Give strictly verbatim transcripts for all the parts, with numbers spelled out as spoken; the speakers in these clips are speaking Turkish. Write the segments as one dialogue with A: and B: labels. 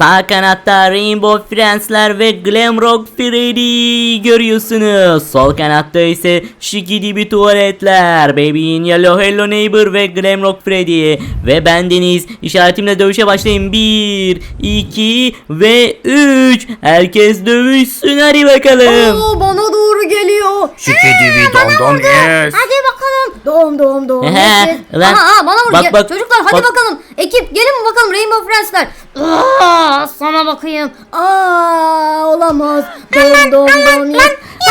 A: Sağ kanatta Rainbow Friends'ler ve Glamrock Freddy görüyorsunuz. Sol kanatta ise Şikidibi tuvaletler, Baby in Yellow, Hello Neighbor ve Glamrock Freddy. Ve bendeniz. İşaretimle dövüşe başlayın. bir, iki ve üç. Herkes dövüşsün, hadi bakalım.
B: Oo, bana doğru geliyor.
C: Şikidibi dom dom yes.
B: Hadi bakalım. Doğum doğum doğum.
A: Ehe,
B: Yes.
A: lan.
B: Aha, aha, bana vur.
A: Bak,
B: Ya,
A: bak,
B: çocuklar hadi
A: bak.
B: bakalım. Ekip gelin bakalım Rainbow Friends'ler. Aa, sana bakayım. Aa, olamaz. Doğum doğum doğum. Yes.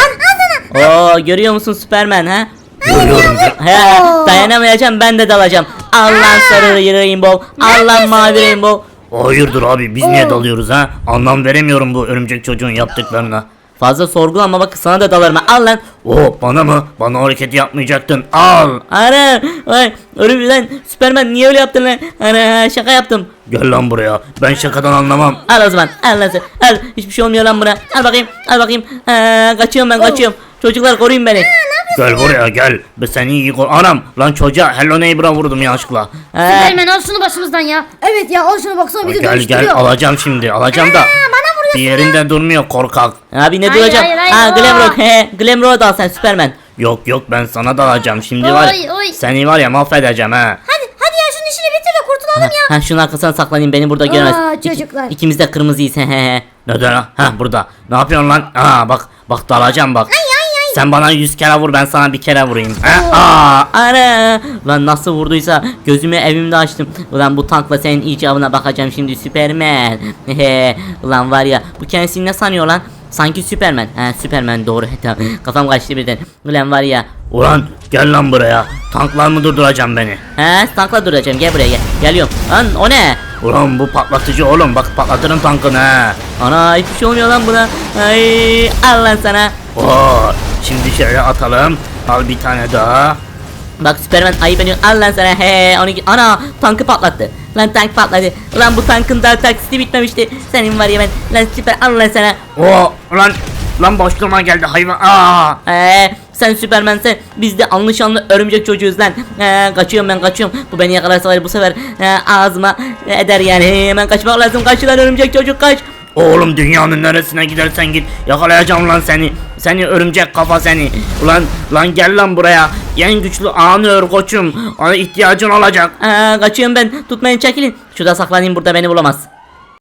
A: Oo, görüyor musun Superman ha?
C: Görüyorum.
A: He, dayanamayacağım, ben de dalacağım. Allah sarı Rainbow, Allah mavi Rainbow.
C: Hayırdır abi biz niye dalıyoruz ha? Anlam veremiyorum bu örümcek çocuğun yaptıklarına.
A: Fazla sorgulama, bak sana da dalarım. Al lan.
C: Oo bana mı? Bana o hareketi yapmayacaktın. Al.
A: Ana, ay, örümcek Superman niye öyle yaptın lan? Ana, şaka yaptım.
C: Gel lan buraya. Ben şakadan anlamam.
A: Al o zaman, al lan sen. Al, hiçbir şey olmuyor lan buna. Al bakayım, al bakayım. Ha, kaçıyorum ben, kaçıyorum. Çocuklar koruyun beni.
C: Gel buraya gel. Ben seni iyi kor. Anam lan çocuğa Hello Neighbor'a vurdum yanlışlıkla.
A: Ha,
B: Superman al şunu başımızdan ya. Evet ya al şunu baksana bizi
C: Gel
B: dönüştürüyor.
C: gel alacağım şimdi. Alacağım da.
B: Bana vuruyorsun.
C: Bir yerinde durmuyor korkak.
A: abi ne
B: Hayır,
A: duracağım?
B: hayır, hayır,
A: Ha,
B: aa.
A: Glamrock, he, Glamrock'a dal sen Superman.
C: Yok yok ben sana da alacağım. Şimdi var ya.
B: Oy, oy.
C: Seni var ya mahvedeceğim ha.
B: Hadi hadi ya şunun işini bitir de kurtulalım ya.
A: Ha, şunun arkasına saklanayım, beni burada görmez.
B: Aa,
A: İki-
B: çocuklar.
A: İkimiz de kırmızıyız, he he.
C: Neden ha? Ha burada. Ne yapıyorsun lan? Aa bak bak dalacağım bak. Sen bana yüz kere vur ben sana bir kere vurayım. Ha? Aa.
A: Ana! Lan nasıl vurduysa gözümü evimde açtım. Ulan bu tankla senin icabına bakacağım şimdi Superman. Hehe. Ulan var ya, bu kendisini ne sanıyor lan? Sanki Superman. Ha, Superman doğru. Tamam. Kafam kaçtı birden. Ulan var ya.
C: Ulan gel lan buraya. Tanklar mı durduracağım beni?
A: Ha, tankla duracağım, gel buraya gel. Geliyorum. Lan o ne?
C: Ulan bu patlatıcı oğlum bak patlatırım tankını ha.
A: Ana, hiçbir şey olmuyor lan buna. Ay, al lan sana.
C: Oo, şimdi şöyle atalım. Al bir tane daha.
A: Bak Superman ayıp ediyor. Al lan sana. He, onu ana, tankı patlattı. Lan tank patladı. Lan bu tankın daha taksiti bitmemişti. Senin var ya ben. Lan Süper, al lan sana.
C: Oo, lan lan boşluğuma geldi hayvan. Aa.
A: Ee, sen Superman sen, biz de anlaşanlı örümcek çocuğuz lan. Ee, kaçıyorum ben, kaçıyorum. Bu beni yakalarsa var ya, bu sefer e, ağzıma eder yani. Hemen kaçmak lazım. Kaç lan örümcek çocuk, kaç.
C: Oğlum dünyanın neresine gidersen git yakalayacağım lan seni. Seni örümcek kafa seni. Ulan lan gel lan buraya. En güçlü anı ör koçum. Ona ihtiyacın olacak.
A: Ee, kaçıyorum ben. Tutmayın, çekilin. Şurada saklanayım, burada beni bulamaz.